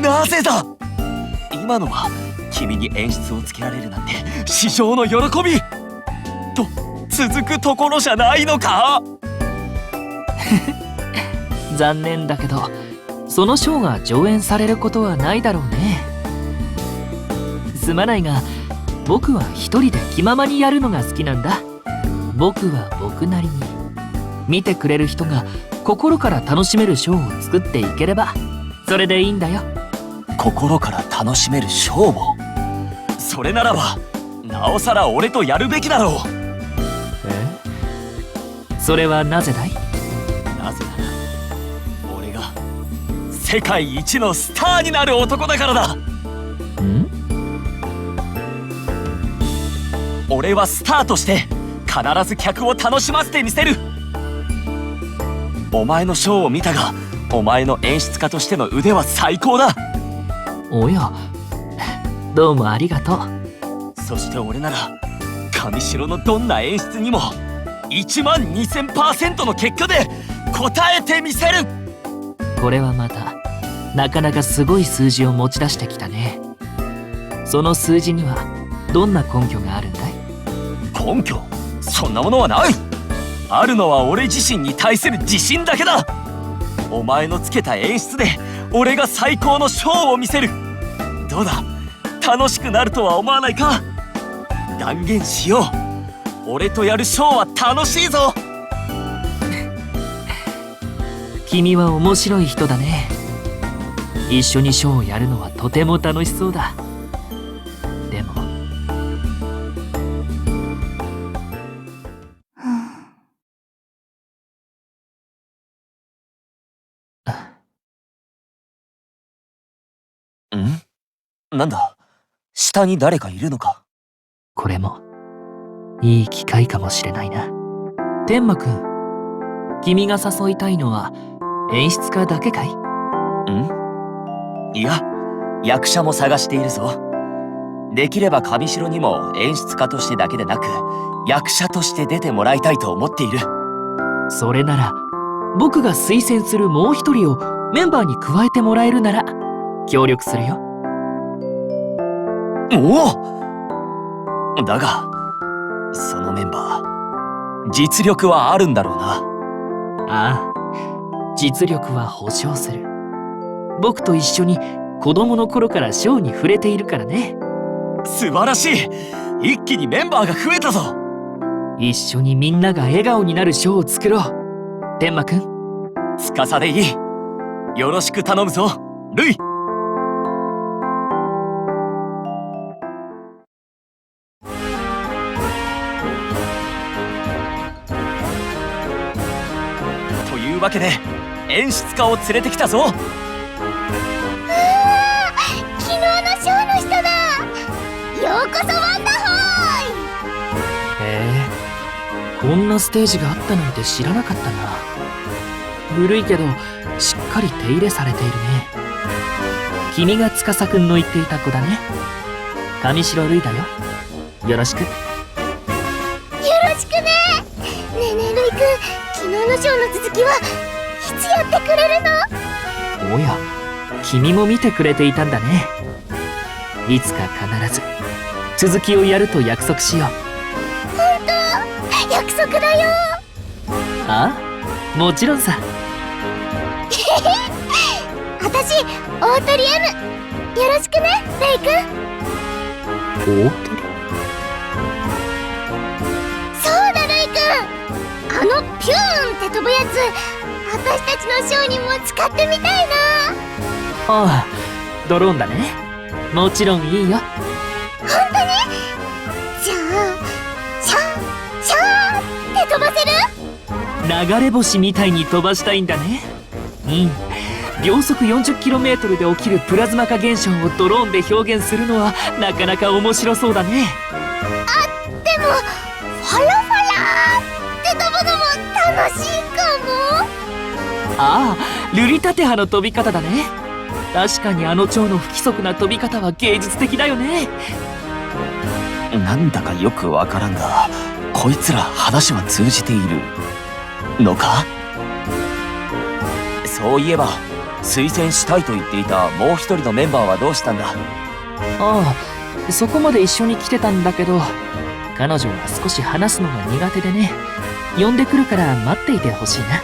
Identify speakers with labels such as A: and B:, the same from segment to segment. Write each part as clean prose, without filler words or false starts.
A: なぜだ。今のは君に演出をつけられるなんて至上の喜びと続くところじゃないのか。
B: 残念だけどそのショーが上演されることはないだろうね。すまないが僕は一人で気ままにやるのが好きなんだ。僕は僕なりに見てくれる人が心から楽しめるショーを作っていければそれでいいんだよ。
A: 心から楽しめるショーを。それならばなおさら俺とやるべきだろう。
B: それはなぜだい？
A: なぜなら俺が世界一のスターになる男だからだ。俺はスターとして必ず客を楽しませてみせる。お前のショーを見たがお前の演出家としての腕は最高だ。
B: おや、どうもありがとう。
A: そして俺なら上白のどんな演出にも12000% の結果で応えてみせる。
B: これはまたなかなかすごい数字を持ち出してきたね。その数字にはどんな根拠があるんだい？
A: 根拠？そんなものはない。あるのは俺自身に対する自信だけだ。お前のつけた演出で俺が最高のショーを見せる。どうだ、楽しくなるとは思わないか？断言しよう。俺とやるショーは楽しいぞ。
B: 君は面白い人だね。一緒にショーをやるのはとても楽しそうだ。でも
A: なんだ、下に誰かいるのか？
B: これもいい機会かもしれないな。天馬くん、君が誘いたいのは演出家だけかい？
A: いや、役者も探しているぞ。できれば上白にも演出家としてだけでなく役者として出てもらいたいと思っている。
B: それなら僕が推薦するもう一人をメンバーに加えてもらえるなら協力するよ。
A: おお！だがそのメンバー実力はあるんだろうな。
B: ああ、実力は保証する。僕と一緒に子供の頃からショーに触れているからね。
A: 素晴らしい。一気にメンバーが増えたぞ。
B: 一緒にみんなが笑顔になるショーを作ろう。天馬くん、
A: 司でいい。よろしく頼むぞ、ルイ。というわけで演出家を連れてきたぞ。
C: 昨日のショーの人だ。ようこそワンダホーイ。
B: へえ、こんなステージがあったなんて知らなかったな。古いけどしっかり手入れされているね。君が司くんの言っていた子だね。上白瑠衣だよ。よろしく。
C: よろしくね。ねえねえルイくん、昨日のショーの続きはいつやってくれるの？
B: おや、君も見てくれていたんだね。いつか必ず続きをやると約束しよう。
C: 本当？約束だよ。
B: ああ、もちろんさ。
C: 私、大鳥 M よろしくね、レイくん。
B: 大鳥？
C: そうだレイくん、あのピューンって飛ぶやつ、私たちのショーにも使ってみたいな。
B: ああ、ドローンだね。もちろんいいよ。
C: 本当に？じゃあシャーシャーって飛ばせる？
B: 流れ星みたいに飛ばしたいんだね。秒速 40km で起きるプラズマ化現象をドローンで表現するのはなかなか面白そうだね。
C: でもファラファラって飛ぶのも楽しいかも。
B: ああ、ルリタテハの飛び方だね。確かにあの蝶の不規則な飛び方は芸術的だよね。
A: なんだかよくわからんが、こいつら話は通じているのか？そういえば推薦したいと言っていたもう一人のメンバーはどうしたんだ？
B: ああ、そこまで一緒に来てたんだけど、彼女は少し話すのが苦手でね。呼んでくるから待っていてほしいな。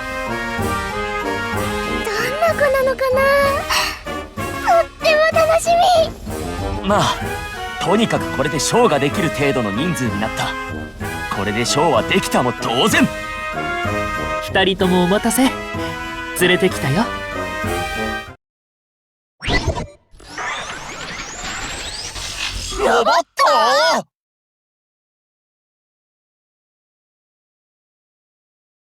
C: どんな子なのかな。とっても楽しみ。
A: まあとにかくこれでショーができる程度の人数になった。これでショーはできたも当然。
B: 二人ともお待たせ。連れてきたよ。
A: ロボット